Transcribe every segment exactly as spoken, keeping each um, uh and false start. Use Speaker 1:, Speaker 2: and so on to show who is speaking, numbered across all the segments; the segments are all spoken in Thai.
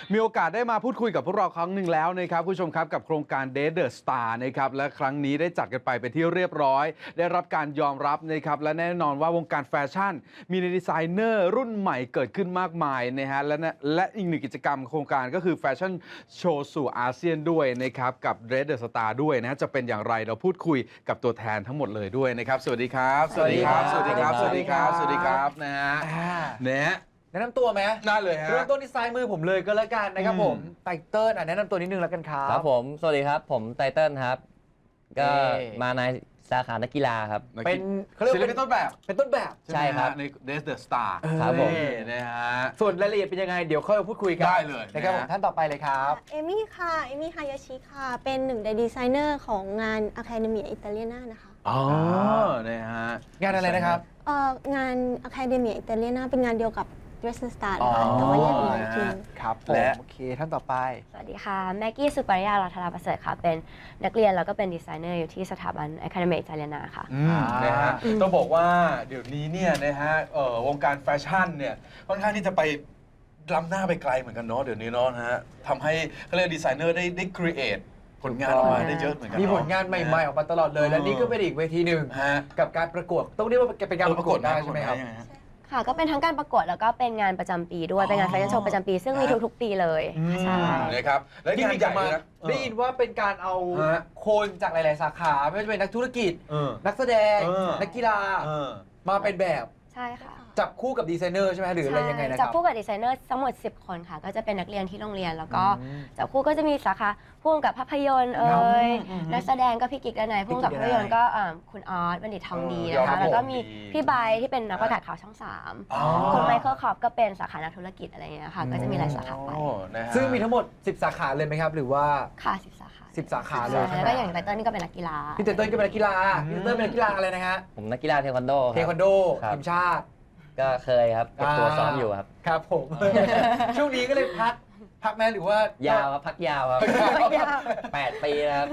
Speaker 1: มีโอกาสได้มาพูดคุยกับพวกเราครั้งหนึ่งแล้วนะครับคุณผู้ชมครับกับโครงการ Date the Star นะครับและครั้งนี้ได้จัดกันไปเป็นที่เรียบร้อยได้รับการยอมรับนะครับและแน่นอนว่าวงการแฟชั่นมีดีไซเนอร์รุ่นใหม่เกิดขึ้นมากมายนะฮะและและอีกหนึ่งกิจกรรมโครงการก็คือแฟชั่นโชว์สู่อาเซียนด้วยนะครับกับ Date the Star ด้วยนะจะเป็นอย่างไรเราพูดคุยกับตัวแทนทั้งหมดเลยด้วยนะครับสวัสดีครับสวัสดีครับสวัสดีครับสวัสดีครับสวัสดีครับนะฮะเนี่ย
Speaker 2: แนะนำตัวไหม
Speaker 1: ได้เลยฮะ
Speaker 2: เริ่มต้นที่ซ้ายมือผมเลยก็แล้วกันนะครับผมไตเติ้ลอ่ะแนะนำตัวนิดนึงแล้วกันครับ
Speaker 3: ครับผมสวัสดีครับผมไตเติ้ลครับก็มาในสาขานักกีฬาครับ
Speaker 2: เป็นเขาเรียก
Speaker 1: ว่าเป็นต้นแบบ
Speaker 2: เป็นต้นแบบ
Speaker 3: ใช่ครับ
Speaker 1: ใน Date the Star
Speaker 3: ครับผม
Speaker 1: นะฮะ
Speaker 2: ส่วนรายละเอียดเป็นยังไงเดี๋ยวค่อยมาพูดคุยกัน
Speaker 1: ได้เลย
Speaker 2: นะครับผมท่านต่อไปเลยครับ
Speaker 4: เอมี่ค่ะเอมี่ฮายาชิค่ะเป็นหนึ่งในดีไซเนอร์ของงาน Academia Italiana นะคะ
Speaker 1: อ๋อนะฮะ
Speaker 2: งานอะไรนะครับ
Speaker 4: เอ่องาน Academia Italiana เป็นงานเดียวกับ Dress the Star แต่ว่าแยกเป็นทีม
Speaker 2: ครับผมโอเคท่านต่อไป
Speaker 5: สวัสดีค่ะแม็กกี้สุปริยารัตนาประเสริฐค่ะเป็นนักเรียนแล้วก็เป็นดีไซเนอร์อยู่ที่สถาบัน Academia Italiana ค่ะ
Speaker 1: นะฮะต้องบอกว่าเดี๋ยวนี้เนี่ยนะฮะวงการแฟชั่นเนี่ยค่อนข้างที่จะไปล้ำหน้าไปไกลเหมือนกันเนาะเดี๋ยวนี้เนาะนะฮะทำให้เขาเรียกดีไซเนอร์ได้ได้ครีเอทผลงานออกมาได้เยอะเหมือนกัน
Speaker 2: มีผลงานใหม่ๆออกมาตลอดเลยและนี่ก็เป็นอีกเวทีหนึ่งกับการประกวดต้องเรียกว่าเป็นการประกวดได้ใช่ไหมครับ
Speaker 5: ค่ะก็เป็นทั้งการประกวดแล้วก็เป็นงานประจำปีด้วยเป็นงานแฟชั่นโชว์ประจำปีซึ่งมีทุกๆปีเลยใช่
Speaker 1: นะครับและ
Speaker 2: ที่มีจะมาได้ยินว่าเป็นการเอาคนจากหลายๆสาขาไม่ว่าจะเป็นนักธุรกิจนักแสดงนักกีฬามาเป็นแบบ
Speaker 5: ใช่ค่ะ
Speaker 2: จับคู่กับดีไซเนอร์ใช่ไหมหรืออะไรยังไงนะครับ
Speaker 5: จับคู่กับดีไซเนอร์ทั้งหมดสิบคนค่ะก็จะเป็นนักเรียนที่โรงเรียนแล้วก็จับคู่ก็จะมีสาขาพ่วงกับภาพยนตร์เอ่ยนักแสดงก็พี่กิ๊กและนายพ่วงกับภาพยนตร์ก็คุณออสบัณฑิตทองดีนะคะแล้วก็มีพี่ใบที่เป็นนักประกาศข่าวช่องสามคุณไมเคิลคอปก็เป็นสาขานักธุรกิจอะไรอย่างเงี้ยค่ะก็จะมีหลายสาขาไป
Speaker 2: ซึ่งมีทั้งหมดสิบสาขาเลยไหมครับหรือว่า
Speaker 5: ค่ะสิบสาขา
Speaker 2: สิบสาขาเลย
Speaker 5: แล้วก็อย่างไตเติ้ลนี่ก็เป็นนักกีฬา
Speaker 2: พี่ไตเติ้ลก็เป็นนักกีฬาพี่ไตเติ้ลเป็นนักกีฬาอะไรนะฮะ
Speaker 3: ผมนักกีฬาเทควันโด
Speaker 2: เทควันโดทีมชาติ
Speaker 3: ก็เคยครับเก็บตัวซ้อมอยู่ครับ
Speaker 2: ครับผมช่วงนี้ก็เลยพักพักแม่หรือว่าย
Speaker 3: าวครับพักยาวครับแปดปีครับ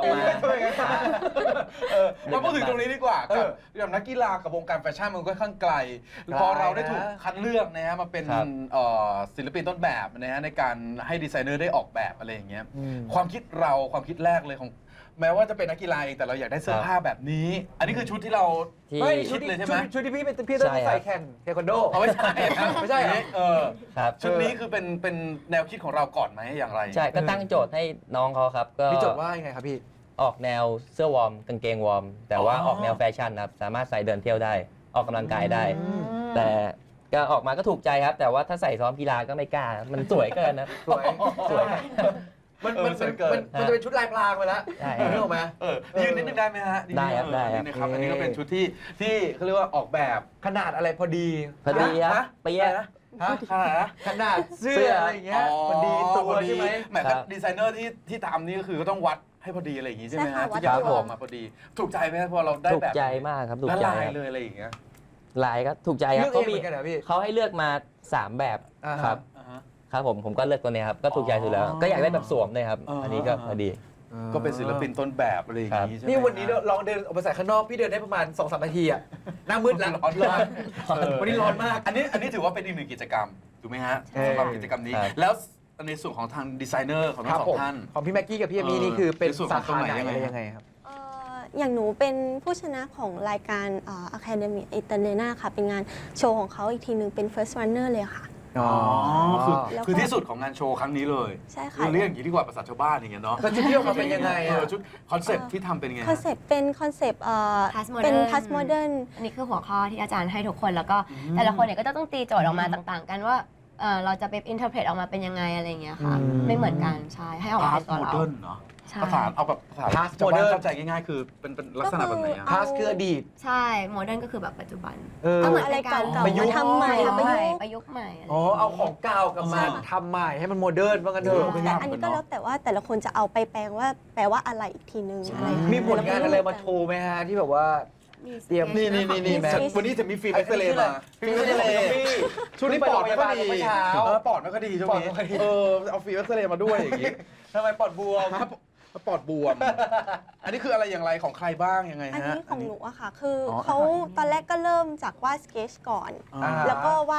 Speaker 1: มาพูดถึงตรงนี้ดีกว่ากับอย่างนักกีฬากับวงการแฟชั่นมันก็ค่อนข้างไกลพอเราได้ถูกคัดเลือกนะฮะมาเป็นศิลปินต้นแบบนะฮะในการให้ดีไซเนอร์ได้ออกแบบอะไรอย่างเงี้ยความคิดเราความคิดแรกเลยของแม้ว่าจะเป็นนักกีฬาเองแต่เราอยากได้เสื้อผ้าแบบนี้อันนี้คือชุดที่เรา
Speaker 2: ไม่ชุดเลยใช่ไหมชุดที่พี่เป็นพี่ต้องใส่แข่งเทควันโด
Speaker 1: เอาไม่ใช่ไม่ใช่เออ
Speaker 3: ครับ
Speaker 1: ชุดนี้คือเป็นเป็นแนวคิดของเราก่อนไหมอย่างไร
Speaker 3: ใช่ก็ตั้งโจทย์ให้น้องเขาครับก็
Speaker 2: พี่โจทย์ว่ายังไงครับพี่
Speaker 3: ออกแนวเสื้อวอร์มกางเกงวอร์มแต่ว่าออกแนวแฟชั่นครับสามารถใส่เดินเที่ยวได้ออกกำลังกายได้แต่ก็ออกมาก็ถูกใจครับแต่ว่าถ้าใส่ซ้อมกีฬาก็ไม่กล้ามันสวยเกินนะ
Speaker 2: สวยสวยมันมันมันจะเป็นชุดลายพรางไปแล้วรู้ไหม
Speaker 1: เออยืนนิดนึงได้ไหมฮะ
Speaker 3: ได้ครับได้
Speaker 1: นะครับอันนี้ก็เป็นชุดที่ที่เขาเรียกว่าออกแบบ
Speaker 2: ขนาดอะไรพอดี
Speaker 3: พอดีครับเปีย
Speaker 1: นะขนาดนะ
Speaker 2: ขนาดเสื้ออะไรอย่างเงี้ยพอดีตัวใช่ไหม
Speaker 1: แหมดีไซเนอร์ที่ที่ทำนี่ก็คือก็ต้องวัดให้พอดีอะไรอย่างงี้ใช่ไหมฮะที่จะออกมาพอดีถูกใจไหมพอเราได้แบบ
Speaker 3: ถูกใจมากครับถูกใจ
Speaker 1: เลยอะไรอย่างเงี้ย
Speaker 3: ลายก็ถูกใจครับเขามีเขาให้เลือกมาสามแบบครับครับผมผมก็เลือกตัวนี้ครับก็ถูกใจสุดแล้วก็อยากได้แบบสวมเลยครับอันนี้ก็พอดี
Speaker 1: ก็เป็นศิลปินต้นแบบอะไรอย่างนี้ใช่ไหม
Speaker 2: นี่วันนี้ลองเดินออกไปใส่ข้างนอกพี่เดินได้ประมาณ สองถึงสาม นาทีอะหน้ามืดแล้วร้อนร้อนวันนี้ร้อนมาก
Speaker 1: อันนี้อันนี้ถือว่าเป็นอีกหนึ่งกิจกรรมถูกไหมฮะสำหรับกิจกรรมนี้แล้วในส่วนของทางดีไซเนอร์ของทั้งสองท่าน
Speaker 2: ของพี่แม็กกี้กับพี่เอมี่นี่คือเป็นสาขาไหนยังไงครับ
Speaker 4: อย่างหนูเป็นผู้ชนะของรายการ Academia Italiana ค่ะเป็นงานโชว์ของเขาอีกทีนึงเป็น First Runner เลยค่ะ
Speaker 1: อ๋อคือคือที่สุดของงานโชว์ครั้งนี้เลย
Speaker 4: ใช่ค่ะ
Speaker 1: เรียกอย่างนี้ดีกว่าภาษาชาวบ้านอย่างเงี้ยเนาะ
Speaker 2: แล้วชุดที่ออกมาเป็นยังไงอ่ะ
Speaker 1: ชุดคอนเซปต์ที่ทำเป็นยังไง
Speaker 4: คอนเซปต์เป็นคอนเซปต์เป็นพาสโมเดิร์น
Speaker 5: อันนี้คือหัวข้อที่อาจารย์ให้ทุกคนแล้วก็แต่ละคนเนี่ยก็จะต้องตีโจทย์ออกมาต่างๆกันว่าเราจะไปอินเทอร์เพรตออกมาเป็นยังไงอะไรเงี้ยค่ะไม่เหมือนกันใช่ให้ออกมาเป็นตัวเรา
Speaker 1: ภาษาเอาแบบภาษาพาสโมเดิร์นเข้าใจง่ายๆคือเป็นเป็นลักษณะแบบไหนอะ
Speaker 2: พาสคืออดีต
Speaker 5: ใช่โมเดิร์นก็คือแบบปัจจุบัน
Speaker 4: ก็เหมือนอะไรเก่าๆมาทำใหม่
Speaker 5: ประยุกต์ใหม่
Speaker 2: อ๋อเอาของเก่ากับมาทำใหม่ให้มันโมเดิร์นว่ากันเถอะ
Speaker 4: แต่อันนี้ก็แล้วแต่ว่าแต่ละคนจะเอาไปแปลงว่าแปลว่าอะไรอีกทีนึงอะไร
Speaker 2: มีผลงานอะไรมาโชว์ไหมฮะที่แบบว่า
Speaker 1: เตรียมนี่นี่นี่นี่แม่วันนี้จะมีฟิล์มเอ็กซเรย์มาฟิล์มเอ็กซเรย์ช่วงนี้ปอดไม่ค่อยดีปอดไม่ค่อยดีช่วงนี้เออเอาฟิล์มเอ็กซเรย์มาด้วยอย่างงี้
Speaker 2: ทำไมปอดบวม
Speaker 1: ปอดบวมอันนี้คืออะไรอย่างไรของใครบ้างยังไงฮะ
Speaker 4: อันนี้ของหนูอะค่ะคือเขาตอนแรกก็เริ่มจากวาดสเกจก่อนแล้วก็วาด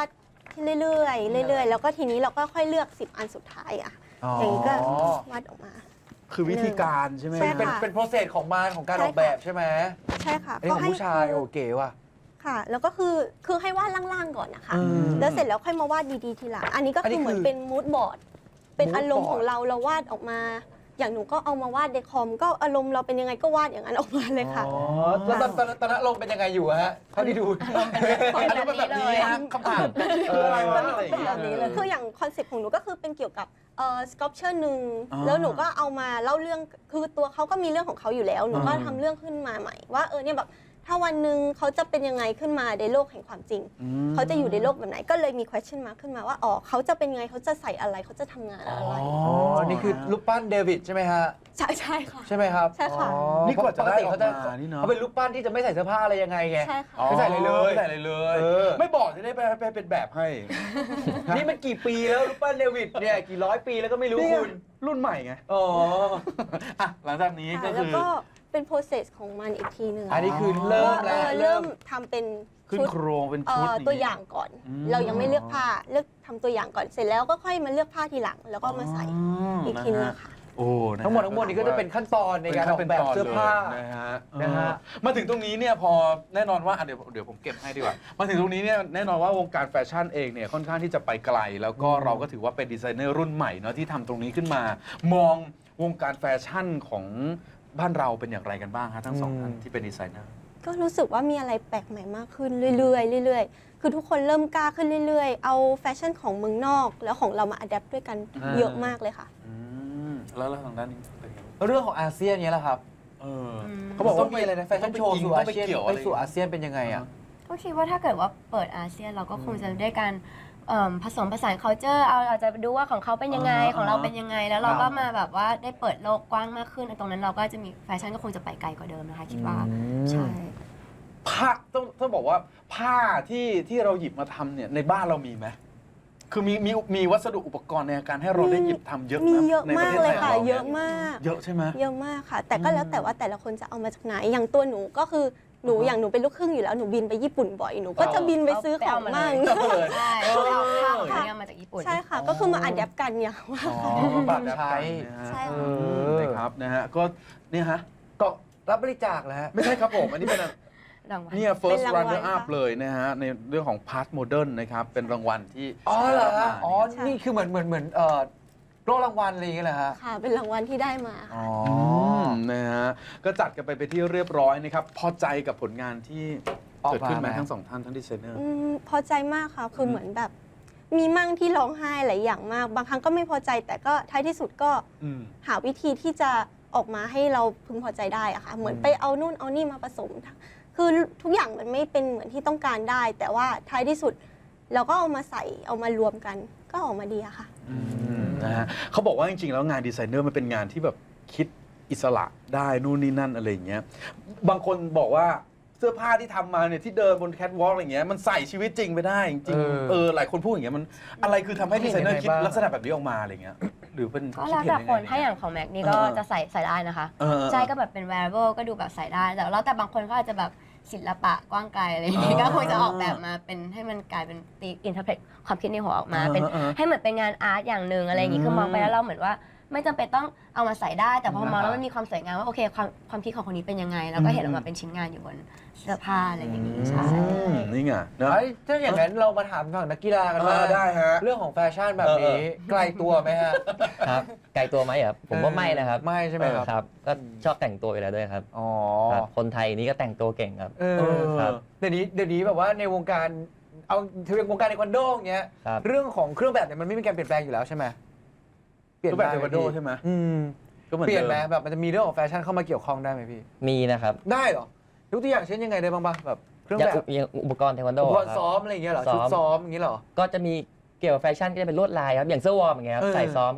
Speaker 4: เรื่อยๆเรื่อยๆแล้วก็ทีนี้เราก็ค่อยเลือกสิบอันสุดท้ายอะอย่างนี้ก็วาดออกมา
Speaker 1: คือวิธีการใช่ไหม
Speaker 4: ใช่
Speaker 2: เป็น
Speaker 4: ค่ะ
Speaker 2: เป็นโปรเซสของมันของการ
Speaker 4: ใช่
Speaker 2: ออกแบบใช่ไหม
Speaker 4: ใช่ค่ะ
Speaker 2: อันนี้ของผู้ชายโอเก๋ว่ะ
Speaker 4: ค่ะ แล้วก็คือคือให้วาดล่างๆก่อนนะคะ
Speaker 2: อืม
Speaker 4: แล้วเสร็จแล้วค่อยมาวาดดีๆทีหลังอันนี้ก็
Speaker 2: อันนี้
Speaker 4: คือเหมือน
Speaker 2: คือ
Speaker 4: เป็นมูดบอร์ดเป็น
Speaker 2: mood
Speaker 4: อารมณ์
Speaker 2: board
Speaker 4: ของเราเราวาดออกมา อย่างหนูก็เอามาวาดในคอมก็อารมณ์เราเป็นยังไงก็วาดอย่างนั้นออกมาเลยค่ะ
Speaker 2: อ๋อแล้วตอนตอนตอนนั้นลงเป็นยังไงอยู่อะฮะเท่าที่ดู
Speaker 1: อันนี้เป็นแบบนี้ฮะคำถามคืออะไรวะอะไรอย่างเงี้ย
Speaker 4: แบบนี้เลยคืออย่างคอนเซ็ปต์ของหนูก็คือเป็นเกี่ยวกับเอ่อสกอปเชอร์หนึ่ง
Speaker 1: อ๋อ
Speaker 4: แล้วหนูก็เอามาเล่าเรื่องคือตัวเขาก็มีเรื่องของเขาอยู่แล้ว หนูก็
Speaker 1: อืม
Speaker 4: ทำเรื่องขึ้นมาใหม่ว่าเออเนี่ยแบบถ้าวันหนึ่งเขาจะเป็นยังไงขึ้นมาในโลกแห่งความจริง
Speaker 1: อืม
Speaker 4: เขาจะอยู่ในโลกแบบไหนก็เลยมี question mark ขึ้นมาว่าอ๋อเขาจะเป็นยังไงเขาจะใส่อะไรเขาจะทำงานอะไร
Speaker 2: อ๋อ นี่คือรูปปั้นเดวิดใช่ไหมฮะ
Speaker 4: ใช่ใช่ค่ะ
Speaker 2: ใช่ไหมครับ
Speaker 4: ใช่ค่ะ
Speaker 2: อ๋อ
Speaker 1: นี่กว่าจะได้ออก
Speaker 2: ปติ
Speaker 1: มานี่เนาะ
Speaker 2: เขาเป็นรูปปั้นที่จะไม่ใส่เสื้อผ้าอะไรยังไงไง
Speaker 4: ใช่ค่ะ
Speaker 2: ไม่ใส่เลยเลย
Speaker 1: ไม่ใส่เลยเลย
Speaker 2: เออ
Speaker 1: ไม่บอกจะได้ไปไปเป็นแบบให้
Speaker 2: นี่มันกี่ปีแล้วรูปปั้นเดวิดเนี่ยกี่ร้อยปีแล้วก็ไม่รู้
Speaker 1: นี่ไง
Speaker 2: คุณ
Speaker 1: รุ่นใหม่ไง
Speaker 2: อ๋อ
Speaker 1: อ่ะหลังจากนี้ก็
Speaker 4: ค่ะแล้
Speaker 1: คื
Speaker 4: ว
Speaker 1: อ
Speaker 4: ก็เป็น process ของมันอีกทีหนึ่ง
Speaker 2: อันนี้คือเริ่ม
Speaker 4: ว่า
Speaker 2: แล้ว
Speaker 4: เออเริ่มทำเป็น
Speaker 1: ขึ้น
Speaker 4: ชุด
Speaker 1: โครงเป็น
Speaker 4: เอ่
Speaker 1: ชุด
Speaker 4: อตัวอย่างก่อน
Speaker 1: อืม
Speaker 4: เรายังไม่เลือกผ้าเลือกทำตัวอย่างก่อนเสร็จแล้วก็ค่อยมาเลือกผ้าทีหลัง แล้วก็มาใส่อีกทีนึง
Speaker 1: นะฮะ
Speaker 4: ค่ะ
Speaker 1: โอ้นะฮะ
Speaker 2: ทั้งหมดทั้งมวลนี้ก็จะเป็นขั้นตอนในการออกแบบเสื้อผ้า
Speaker 1: นะฮะ
Speaker 2: นะฮะ
Speaker 1: เออมาถึงตรงนี้เนี่ยพอแน่นอนว่าอ่ะเดี๋ยวเดี๋ยวผมเก็บให้ดีกว่า มาถึงตรงนี้เนี่ยแน่นอนว่าวงการแฟชั่นเองเนี่ยค่อนข้างที่จะไปไกล แล้วก็เราก็ถือว่าเป็นดีไซเนอร์รุ่นใหม่เนาะที่ทำตรงนี้ขึ้นมา มองวงการแฟชั่นของบ้านเราเป็นอย่างไรกันบ้างฮะทั้งสองท่านที่เป็นดีไซเนอร์
Speaker 4: ก็รู้สึกว่ามีอะไรแปลกใหม่มากขึ้นเรื่อยๆเรื่อยๆ คือทุกคนเริ่มกล้าขึ้นเรื่อยๆ เอาแฟชั่นของเมืองนอก แล้วของเรามาอัดแอปด้วยกัน
Speaker 1: อ่า
Speaker 4: เยอะมากเลยค่ะ
Speaker 1: อืมแล้วแล้วทางด้านนี้เป็นไง
Speaker 2: แล้วเรื่องของอาเซียนเนี้ยแหละครับ
Speaker 1: เออ
Speaker 2: เขาบอกว่ามีอะไรนะแฟชั่นโชว์สู่อา
Speaker 1: ต้องไป
Speaker 2: เซียน
Speaker 1: เกี่ยว
Speaker 2: ไป
Speaker 1: อะไร
Speaker 2: สู่อาเซียนเป็นยังไงอ่ะ
Speaker 5: ก็คิดว่าถ้าเกิดว่าเปิดอาเซียนเราก็คงจะได้การเอิ่มผสมผสาน culture เอาเราจะดูว่าของเขาเป็นยังไง
Speaker 1: อ่า
Speaker 5: ของเราเป็นยังไง แล้วเรา
Speaker 2: ครั
Speaker 5: ก็
Speaker 2: บ
Speaker 5: มาแบบว่าได้เปิดโลกกว้างมากขึ้นตรงนั้นเราก็จะมีแฟชั่นก็คงจะไปไกลกว่าเดิมนะคะคิดว่าใช่
Speaker 1: ผ้าต้องต้องบอกว่าผ้าที่ที่เราหยิบมาทำเนี่ยในบ้านเรามีไหมคือมีมีมีวัสดุอุปกรณ์ในการให้เราได้หยิบทำเยอะไห
Speaker 4: มีเยอะ
Speaker 1: ในป
Speaker 4: มา
Speaker 1: ระ
Speaker 4: ก
Speaker 1: เทศ
Speaker 4: เล
Speaker 1: ไท
Speaker 4: ย
Speaker 1: ย
Speaker 4: ค่ะ
Speaker 1: ของรา
Speaker 4: เยอะมาก
Speaker 1: เยอะใช่ไหม
Speaker 4: เยอะมากค่ะ แต่ก็แล้วแต่ว่าแต่ละคนจะเอามาจากไหน อย่างตัวหนูก็คือหนูอย่างหนูเป็นลูกครึ่งอยู่แล้วหนูบินไปญี่ปุ่นบ่อยหนูก็จะบินไปซื้อของมั่ง
Speaker 1: ก็เลย
Speaker 5: ใช่เขาเอาข้าวของเนี่ยมาจากญี่ปุ่น
Speaker 4: ใช่ค่ะ ก็คือมาอัดแอปกันเนี่ยว่า
Speaker 1: อ๋อปรับใช้นะฮะ
Speaker 4: ใช่
Speaker 2: เอ
Speaker 4: ค่ะ
Speaker 2: อ
Speaker 1: นะครับนะฮะก็เนี่ยฮะ
Speaker 2: ก็รับบริจาคแล้วฮะ
Speaker 1: ไม่ใช่ครับผมอันนี้เป็น
Speaker 5: รางวัล
Speaker 1: เนี่ย first
Speaker 4: เป็นรางวัล
Speaker 1: runner up
Speaker 4: ค่ะ
Speaker 1: เลยนะฮะในเรื่องของ past modern นะครับเป็นรางวัลที่
Speaker 2: อ๋อเหรอ
Speaker 1: ได้
Speaker 2: ฮะ
Speaker 1: บมา
Speaker 2: อ๋อ นี่คือเหมือนเหมือนเหมือนเอ่อโล่รางวัลอะไรอย่างเงี้ยเหรอฮะ
Speaker 4: ค่ะ เป็นรางวัลที่ได้มา
Speaker 2: อ๋อ
Speaker 1: มนะฮะก็จัดกันไปไปนที่เรียบร้อยนะครับพอใจกับผลงานที่
Speaker 2: ออกมา
Speaker 1: เกิดขึ้นไหม
Speaker 2: ไหม
Speaker 1: ทั้งสองท่านทั้งดีไซเนอร์
Speaker 4: อืมพอใจมากค่ะ คือเหมือนแบบ มีมั่งที่ร้องไห้หลายอย่างมาก บางครั้งก็ไม่พอใจ แต่ก็ท้ายที่สุดก็
Speaker 1: อืม
Speaker 4: หาวิธีที่จะออกมาให้เราพึงพอใจได้อะค่ะ เหมือนไปเอานู่นเอานี่มาผสม คือทุกอย่างมันไม่เป็นเหมือนที่ต้องการได้ แต่ว่าท้ายที่สุดเราก็เอามาใส่เอามารวมกัน ก็ออกมาดีอะค่ะ
Speaker 1: อืมนะฮะเขาบอกว่าจริงๆ แล้วงานดีไซเนอร์มันเป็นงานที่แบบคิดอิสระได้นู่นนี่นั่นอะไรอย่างเงี้ยบางคนบอกว่าเสื้อผ้าที่ทำมาเนี่ยที่เดินบนแคทวอล์กอะไรเงี้ยมันใส่ชีวิตจริงไปได้จริง
Speaker 2: เออ
Speaker 1: ๆเออหลายคนพูดอย่างเงี้ยมันอะไรคือทำให้ดีไซเนอร์คิด
Speaker 2: เห็นยังไงบ้าง
Speaker 1: ลักษณะแบบนี้ออกมาอะไรเงี้ยหรือเป็น
Speaker 5: ก็แล้วแต่คนถ้าอย่างของแม็กนี่ก็
Speaker 1: เออ
Speaker 5: จะใส่ใส่ได้นะคะ
Speaker 1: เออ
Speaker 5: ใช่ก็แบบเป็น wearable ก็ดูแบบใส่ได้ แต่แล้วแต่บางคนก็อาจจะแบบศิลปะกว้างไกลอะไรอย่างงี้ก็คงจะออกแบบมาเป็นให้มันกลายเป็นตีอินเทอร์เพตความคิดในหัวออกมา เป็น
Speaker 1: เออเออ
Speaker 5: ให้เหมือนเป็นงานอาร์ตอย่างหนึ่งอะไรอย่างงี้คือมองไปแล้วเราเหมือนว่าไม่จำเป็นต้องเอามาใส่ได้ แต่พอมองแล้วมันมีความสวยงามว่าโอเคความความคิดของคนนี้เป็นยังไง แล้วก็เห็นออกมาเป็นชิ้นงานอยู่บนเสื้อผ้าอะไรอย่างงี้ใช่
Speaker 1: อืมนี่ไงเนอะ
Speaker 2: เอ้ยถ้าอย่างนั้นเรามาถามฝั่งนักกีฬากัน
Speaker 1: เอ
Speaker 2: ว่า
Speaker 1: อได้ฮะ
Speaker 2: เรื่องของแฟชั่นแบบนี้
Speaker 1: เออเออ
Speaker 2: ไกลตัวไหมฮะ
Speaker 3: ครับไกลตัวไหมครับผมว่าไม่นะครับ
Speaker 2: ไม่ใช่ไหมครับ
Speaker 3: ครับก็ชอบแต่งตัวอยู่แล้วด้วยครับ
Speaker 2: อ๋อ
Speaker 3: ครับคนไทยนี่ก็แต่งตัวเก่งครับ
Speaker 2: เอ
Speaker 1: เอ
Speaker 2: อ
Speaker 1: อ
Speaker 3: ครับ
Speaker 2: เดี๋ยวนี้เดี๋ยวนี้แบบว่าในวงการเอาถือเป็นวงการเทควันโดอย่างเงี้ย
Speaker 3: ครับ
Speaker 2: เรื่องของเครื่องแบบเนี่ยมันไม่มีการเปลี่ยนแปลงอยู่แล้วใช่ไหมเปลี่ยน
Speaker 1: รูปแบบ
Speaker 2: ได้
Speaker 1: เทควันโดใช่ไหม
Speaker 2: อืม
Speaker 1: ก็เหมือน
Speaker 2: เปลี่ยนไหม
Speaker 1: ดิ
Speaker 2: แบบมันจะมีเรื่องของแฟชั่นเข้ามาเกี่ยวข้องได้ไหมพี่
Speaker 3: มีนะครับ
Speaker 2: ได้เหรอยกตัวอย่างเช่นยังไงได้บ้างปะแบบเครื่อง
Speaker 3: อย่าง
Speaker 2: แบบ
Speaker 3: อุอย่างอุปกรณ์เทควันโด
Speaker 2: อุปกรณ์
Speaker 3: ครับ
Speaker 2: ซ้อมอะไรอย่างเงี้ยเหรอ
Speaker 3: ซ้อม
Speaker 2: ชุดซ้อมอย่างเงี้ยเหรอ
Speaker 3: ก็จะมีเกี่ยวกับแฟชั่นก็จะเป็นลวดลายครับอย่างเสื้อวอร์มอย่างเงี้ยครับ
Speaker 2: เออ
Speaker 3: ใส่ซ้อมก็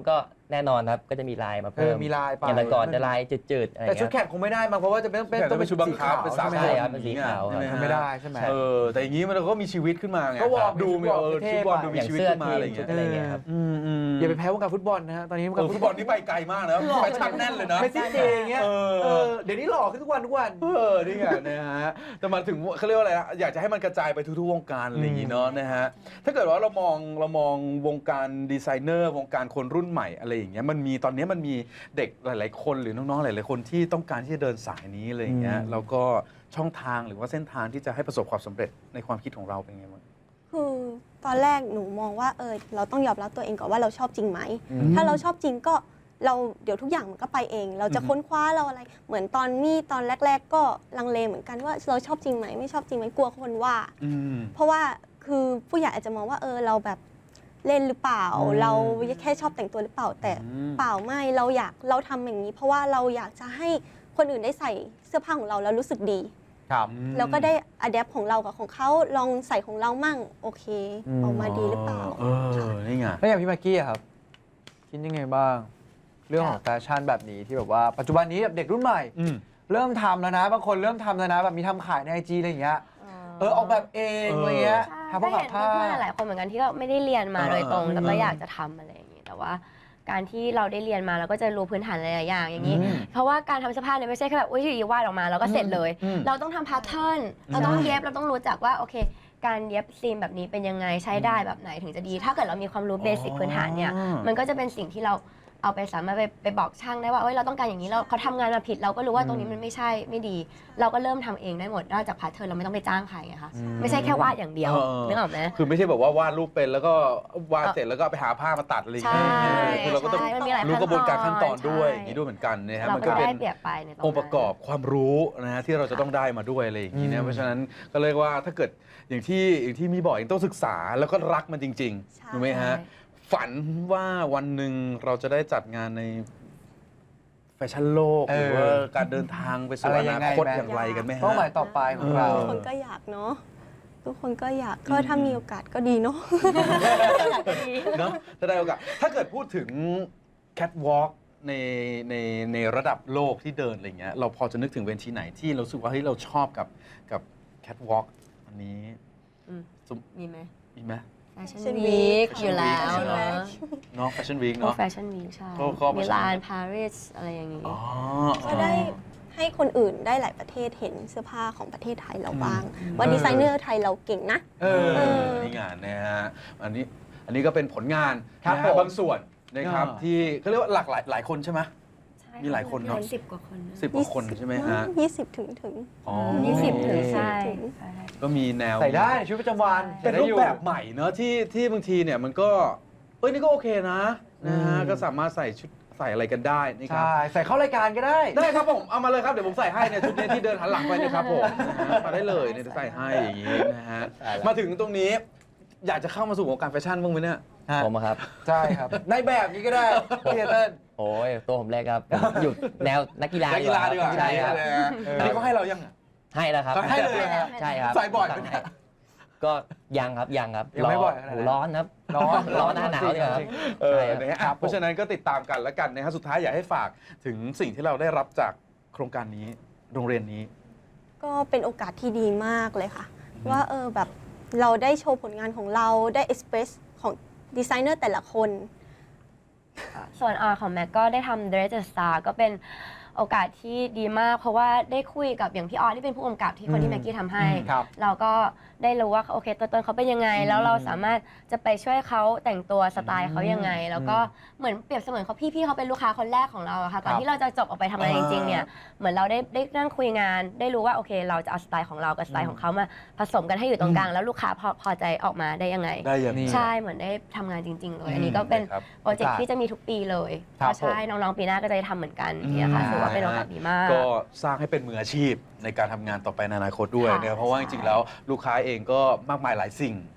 Speaker 3: แน่นอนครับก็จะมีลายมา
Speaker 2: เอ
Speaker 3: เพิ่
Speaker 2: อ
Speaker 3: ม
Speaker 2: มีลายไป
Speaker 3: อย่างแต่ก่อนจะลายจืดๆอะไร
Speaker 2: แต่ชุด
Speaker 3: เงี้ย
Speaker 2: แข่งคงไม่ได้มั้งเพราะว่าจะเป็นเป็น
Speaker 1: แต่ต้องเป็นชุดบังคับเป็นสากล
Speaker 2: ใช่ไหม
Speaker 3: ใช่ครับเป็นสีขาว
Speaker 1: ใช่ไหมฮะ
Speaker 2: ไม่ได้ใช่ไหม
Speaker 1: เออแต่อย่างนี้มันก็มีชีวิตขึ้นมาไง
Speaker 2: ก็วอร์ม
Speaker 1: ดูมี
Speaker 2: วอร์ม
Speaker 1: เออ
Speaker 2: เท่
Speaker 1: ชุดวอร์ม
Speaker 2: ไป
Speaker 1: ดู
Speaker 3: อ
Speaker 1: มี
Speaker 3: ย่าง
Speaker 1: ชีวิต
Speaker 3: เสื้อ
Speaker 1: ขึ้นมา
Speaker 3: ที
Speaker 1: อะไร
Speaker 3: ม
Speaker 1: อย่าง
Speaker 3: ชุ
Speaker 1: เงี้ย
Speaker 3: ดอะไรเงี้ยครับ
Speaker 1: อืมอืม
Speaker 2: อย่าไปแพ้วงการฟุตบอลนะฮะตอนนี้วงการ
Speaker 1: ฟุตบอลนี่ไปไกลมากนะแฟชั่นแน่นเลยนะ
Speaker 2: เมสซี่เจอย่างเงี้ย
Speaker 1: เออ
Speaker 2: เออเดี๋ยวนี้หล่อขึ้นทุกวันทุกวัน
Speaker 1: เออนี่ไงนะฮะแต่มาถึงเขาเรียกว่าอะไรนะอยากจะให้มันกระจายไปทุกๆวงการอะไรอย่างงี้เนาะนะฮะถ้าเกิดว่าเรามองเรามองวงการดีไซเนอร์วงการคนรุ่นใหม่อะไรอย่างเงี้ยมันมีตอนนี้มันมีเด็กหลาย ๆ คนหรือน้องๆหลายๆคนที่ต้องการที่จะเดินสายนี้อะไรอย่างเงี้ย
Speaker 2: อืม
Speaker 1: แล้วก็ช่องทางหรือว่าเส้นทางที่จะให้ประสบความสำเร็จในความคิดของเราเป็นไงบ้าง
Speaker 4: คือตอนแรกหนูมองว่าเออเราต้องยอมรับตัวเองก่อนว่าเราชอบจริงไหม
Speaker 1: อืม
Speaker 4: ถ้าเราชอบจริงก็เราเดี๋ยวทุกอย่างมันก็ไปเอง เราจะ
Speaker 1: อือฮึ
Speaker 4: ค้นคว้าเราอะไร เหมือนตอนมี่ตอนแรก ๆ ก็ลังเลเหมือนกันว่าเราชอบจริงไหมไม่ชอบจริงไหมกลัวคนว่า
Speaker 1: อืม
Speaker 4: เพราะว่าคือผู้ใหญ่อาจจะมองว่าเออเราแบบเล่นหรือเปล่า
Speaker 1: อืม
Speaker 4: เราแค่ชอบแต่งตัวหรือเปล่าแต่
Speaker 1: อืม
Speaker 4: เปล่าไม่เราอยากเราทำอย่างนี้ เพราะว่าเราอยากจะให้คนอื่นได้ใส่เสื้อผ้าของเราแล้วรู้สึกดี
Speaker 2: ครับ
Speaker 4: แล้วก็ได้อะแดปของเรากับของเขาลองใส่ของเรามั่งโอเค
Speaker 2: อืม
Speaker 4: ออกมาดีหรือเปล่า
Speaker 1: เออนี่ไง
Speaker 2: แล้วอย่างพี่มากกี้อะครับ คิดยังไงบ้าง เรื่องของแฟชั่นแบบนี้ที่แบบว่าปัจจุบันนี้แบบเด็กรุ่นใหม่
Speaker 1: อืม
Speaker 2: เริ่มทำแล้วนะ บางคนเริ่มทำแล้วนะ แบบมีทำขายในไอจีอะไรอย่างเงี้ยเออออกแบบเอง
Speaker 1: เอออ
Speaker 2: อะไรเงี้ย
Speaker 5: ใช่
Speaker 2: ทำผ้า
Speaker 5: ก็
Speaker 2: กับ
Speaker 5: เห็น
Speaker 2: ผ้า
Speaker 5: เพื่อนๆหลายคนเหมือนกันที่ก็ไม่ได้เรียนมา
Speaker 1: เออ
Speaker 5: โดยตรง
Speaker 1: เออ
Speaker 5: แต่ก็อยากจะทำอะไรอย่างนี้แต่ว่าการที่เราได้เรียนมาเราก็จะรู้พื้นฐานหลายๆอย่างอย่างนี้
Speaker 2: อืม
Speaker 5: เพราะว่าการทำเสื้อผ้าเนี่ยไม่ใช่แค่แบบอุ้ยอยู่ดีวาดออกมาแล้วก็เสร็จเลย
Speaker 1: อืม
Speaker 5: เราต้องทำพาร์ทเทิร์นเราต้องเย็บเราต้องรู้จักว่าโอเค การเย็บซีมแบบนี้เป็นยังไงใช้ได้แบบไหนถึงจะดี ถ้าเกิดเรามีความรู้เบสิกพื้นฐานเนี่ย
Speaker 1: อ๋อ
Speaker 5: มันก็จะเป็นสิ่งที่เราเอาไปสามารถไปไปบอกช่างได้ว่าเอ้ยเราต้องการอย่างนี้เราเขาทำงานมาผิดเราก็รู้ว่าตรงนี้มันไม่ใช่ไม่ดี เราก็เริ่มทำเองได้หมดนอกจากพาร์ทเทิร์นเราไม่ต้องไปจ้างใครไงคะไม่ใช่แค่วาดอย่างเดียว
Speaker 1: เออ
Speaker 5: นึกออกไหม
Speaker 1: คือไม่ใช่แบบว่าวาดรูปเป็นแล้วก็วาดเสร็จแล้วก็ไปหาผ้ามาตัดอะไรอย่างเงี้ย
Speaker 5: ใช่
Speaker 1: คือเราก็ต้อง
Speaker 5: ใช่มันมีหลาย
Speaker 1: รู้กระบวนการขั้นตอนด้วย
Speaker 5: ใช่
Speaker 1: อย่างนี้ด้วยเหมือนกันนะฮะ
Speaker 5: เรา
Speaker 1: มัน
Speaker 5: ก็
Speaker 1: ก็
Speaker 5: ได้
Speaker 1: เป็น
Speaker 5: เปรียบไปในตรงนั้น
Speaker 1: องค์ประกอบความรู้นะฮะที่เราจะต้องได้มาด้วยอะไรอย่างนี้
Speaker 2: อื
Speaker 1: นะ
Speaker 2: ม
Speaker 1: เพราะฉะนั้นก็เรียกว่าถ้าเกิดอย่างที่อย่างที่มีบอกเองต้องศึกษาแล้วก็รักมันจริง
Speaker 4: ใช่
Speaker 1: ๆถูกไหมฮะฝันว่าวันหนึ่งเราจะได้จัดงานในแฟชั่นโลก
Speaker 2: เอ
Speaker 1: ห
Speaker 2: อ
Speaker 1: รือว่าการเดินทางไปสู่
Speaker 2: อะไร
Speaker 1: อ
Speaker 2: ยั
Speaker 1: นาง
Speaker 2: ไง
Speaker 1: คต
Speaker 2: ไหม
Speaker 1: อย่างไรกันไหมฮะ
Speaker 2: เป้าหมายต่อไปของเรา
Speaker 4: ทุกคนก็อยากเนาะทุกคนก็อยากก็ถ้ามีโอกาสก็ดีเนาะ
Speaker 1: เนาะถ้าได้โอกาสถ้าเกิดพูดถึงแคทวอล์กในในในระดับโลกที่เดินอะไรเงี้ยเราพอจะนึกถึงเวทีไหนที่เรารู้สึกว่าเฮ้ยเราชอบกับกับแคทวอล์กอันนี้
Speaker 5: อืม
Speaker 1: สม
Speaker 5: มีไหม
Speaker 1: มีไหม
Speaker 5: แฟชั่น
Speaker 4: Fashion
Speaker 5: วีค
Speaker 4: Week
Speaker 5: อยู่แล้ว
Speaker 4: Fashion
Speaker 5: เนาะ
Speaker 4: Week
Speaker 1: เนาะแฟชั่นวีค
Speaker 5: พวก
Speaker 1: เนาะ
Speaker 5: แฟชั่นวีคใช่
Speaker 1: ก็ก็
Speaker 5: มิลานปารีสอะไรอย่างนี้
Speaker 1: อ๋อ
Speaker 4: ก็ได้ให้คนอื่นได้หลายประเทศเห็นเสื้อผ้าของประเทศไทยเราบ้าง
Speaker 1: อืม
Speaker 4: ว่าดีไซเนอร์ไทยเราเก่งนะ
Speaker 2: เออ
Speaker 1: เออนี่งานนะฮะอันนี้อันนี้ก็เป็นผลงาน
Speaker 2: ครับ
Speaker 1: นะ
Speaker 2: ผ
Speaker 1: ฮะ
Speaker 2: ม
Speaker 1: บางส่วนนะครับ
Speaker 2: อ่า
Speaker 1: ที่เขาเรียกว่าหลากหลายหลายคนใช่ไหม
Speaker 5: ใช่
Speaker 1: มีหลายคนเนอะ
Speaker 5: สิบกว่าคนนะ
Speaker 1: สิบกว่าคนใช่ไหมฮะ
Speaker 4: ยี่สิบถึงถึง
Speaker 1: อ๋อ
Speaker 5: ยี่สิบถึงใช่
Speaker 4: ถึง
Speaker 5: ใช่
Speaker 1: ก็มีแนว
Speaker 2: ใส่ได้ในชีวิตประจำวัน
Speaker 1: เป็น
Speaker 2: ใส่ได้
Speaker 1: รู
Speaker 2: อ
Speaker 1: ป
Speaker 2: ยู่
Speaker 1: แบบใหม่เนอะที่ที่บางทีเนี่ยมันก็เอ้ยนี่ก็โอเคนะนะฮะ
Speaker 2: อืม
Speaker 1: ก็สามารถใส่ชุดใส่อะไรกันได้นี่ครับ
Speaker 2: ใช่ ใส่เข้ารายการก็ได้
Speaker 1: ได้ครับผมเอามาเลยครับเดี๋ยวผมใส่ให้เนี่ยชุดนี้ที่เดินหันหลังไปเนะครับผมนะฮะมาได้เลยเนี่ยใส่ให้อย่างนี้นะฮะ
Speaker 3: ใช่แล้ว
Speaker 1: มาถึงตรงนี้ อยากจะเข้ามาสู่วงการแฟชั่นบ้างไหมเนี่ย
Speaker 3: ผมอะครับ
Speaker 2: ใช่ครับ ในแบบนี้ก็ได้พี่เติ้ล
Speaker 3: โอ้ยตัวผมเล็กครับผมอยู่แนวนักกีฬา
Speaker 1: นักกีฬาดีกว่า
Speaker 3: ใช่ครับ
Speaker 1: นะฮะ
Speaker 2: เอออั
Speaker 1: อันนี้เขาให้เรายังอะ
Speaker 3: ให้แล้วครับ
Speaker 1: ให้เลยเหรอ
Speaker 3: ใช่ครับ
Speaker 1: ใส่บ่อยไหมเนี่ย
Speaker 3: ก็ยังครับยังครับ
Speaker 2: ยังไม่บ่อยขนาดนั้น
Speaker 3: โร้อนครับ
Speaker 2: ร้อน
Speaker 3: ร้อนหน้าหนาวเนี่ยครับ
Speaker 1: เออ
Speaker 3: ใช่ครับ
Speaker 1: นะฮะ
Speaker 2: ครั
Speaker 1: อ่ะ
Speaker 2: บผม
Speaker 1: เพราะฉะนั้นก็ติดตามกันแล้วกันนะฮะสุดท้ายอยากให้ฝากถึงสิ่งที่เราได้รับจากโครงการนี้โรงเรียนนี้
Speaker 4: ก็เป็นโอกาสที่ดีมากเลยค่ะ ว่าเออแบบเราได้โชว์ผลงานของเราได้เอ็กเพรสของดีไซเนอร์แต่ละคน
Speaker 5: ส่วนอาของแม็กก็ได้ทำ Dress the Star ก็เป็นโอกาสที่ดีมาก เพราะว่าได้คุยกับอย่างพี่ออสที่เป็นผู้กำกับที่คนที่แม็กกี้ทำให้
Speaker 2: ครับ
Speaker 5: เราก็ได้รู้ว่าโอเคตัวตนเขาเป็นยังไง แล้วเราสามารถจะไปช่วยเขาแต่งตัวสไตล์เขายังไง แล้วก็เหมือนเปรียบเสมือนเขาพี่พี่เขาเป็นลูกค้าคนแรกของเราอะค่ะก่อนที่เราจะจบออกไปทำงานจริงๆเนี่ยเหมือนเราได้ได้นั่งคุยงาน ได้รู้ว่าโอเค เราจะเอาสไตล์ของเรากับสไตล์ของเขามาผสมกันให้อยู่ตรงกลางแล้วลูกค้าพอพอใจออกมาได้ยังไง
Speaker 1: ได้อย่างนี้
Speaker 5: ใช่เหมือนได้ทำงานจริง ๆ เลย อันนี้ก็เป็น
Speaker 1: ครับ
Speaker 5: โปรเจกต์ที่จะมีทุกปีเลย
Speaker 2: ครับ
Speaker 5: ก็ใช่น้องๆปีหน้าก็จะได้ทำเหมือนกันเนี่ยค่ะ
Speaker 1: อืม
Speaker 5: ถือว่าเป็นโอกาสดีมาก
Speaker 1: ก็สร้างให้เป็นมืออาชีพในการทำงานต่อไปในอนาคตด้วย
Speaker 5: ค่ะ
Speaker 1: นะครับเพราะว่าจ
Speaker 5: ใช่
Speaker 1: ริงๆแล้วลูกค้าเองก็มากมายหลายสิ่ง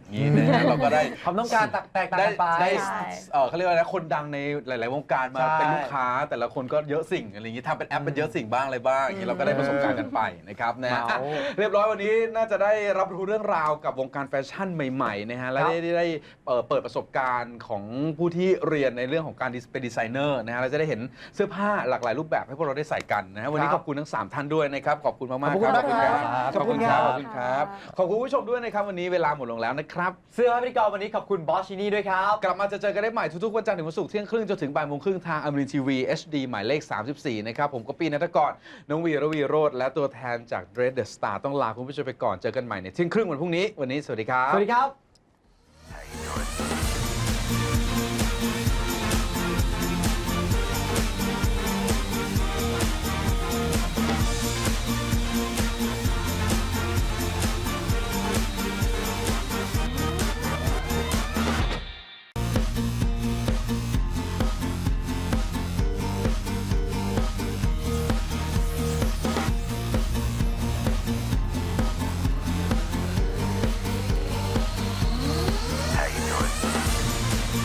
Speaker 1: นี่นะฮะเราก็ได้
Speaker 2: ความต้องการแตกต่าง
Speaker 1: ได้
Speaker 2: กันไป
Speaker 1: ได้
Speaker 5: ใช่
Speaker 1: เอ่อเขาเรียกว่าอะไรนะคนดังในหลาย ๆ วงการมา
Speaker 2: ใช่
Speaker 1: เป็นลูกค้า แต่ละคนก็เยอะสิ่งอะไรอย่างนี้ทำเป็นแอปเป็นเยอะสิ่งบ้างอะไรบ้างอย่างนี้เราก็ได้ประสบการณ์กันไปนะครับนะฮะ
Speaker 2: เมา
Speaker 1: อ่ะเรียบร้อยวันนี้น่าจะได้รับรู้เรื่องราวกับวงการแฟชั่นใหม่ ๆ นะฮะและได้ได้ได้เอ่อเปิดประสบการณ์ของผู้ที่เรียนในเรื่องของการเป็นดีไซเนอร์นะฮะเราจะได้เห็นเสื้อผ้าหลากหลายรูปแบบให้พวกเราได้ใส่กันนะฮะวันนี้
Speaker 2: ค
Speaker 1: ข
Speaker 2: รับ
Speaker 1: อบคุณทั้งสามท่านด้วยนะครับขอบคุณมาก ๆ
Speaker 2: ขอบคุณ
Speaker 1: ครับ
Speaker 2: มากครับ
Speaker 1: ขอบคุณครับ
Speaker 2: ข
Speaker 1: ข
Speaker 2: อ
Speaker 1: อ
Speaker 2: บบ คุ
Speaker 1: คุณ ณ
Speaker 2: ค
Speaker 1: ค
Speaker 2: รั
Speaker 1: รับ บขอบคุณผู้ชมด้วยนะครับวันนี้เวลาหมดลงแล้วนะครับ
Speaker 2: เสื้อผ้าพิธีกรวันนี้ขอบคุณบอสชินี่ด้วยครับ
Speaker 1: กลับมาจะเจอกันได้ใหม่ทุกๆวันจันทร์ถึงวันศุกร์เที่ยงครึ่งจนถึงบ่ายโมงครึ่งทางอมรินทีวี เอช ดี หมายเลข สามสิบสี่ นะครับ ผมก็ปีนัทกรน้องวีระวีโรจน์และตัวแทนจาก Dread the Star ต้องลาคุณผู้ชมไปก่อนเจอกันใหม่ในเที่ยงครึ่งวันพรุ่งนี้ วันนี้สวัสดีครับ
Speaker 2: สวัสดีครับ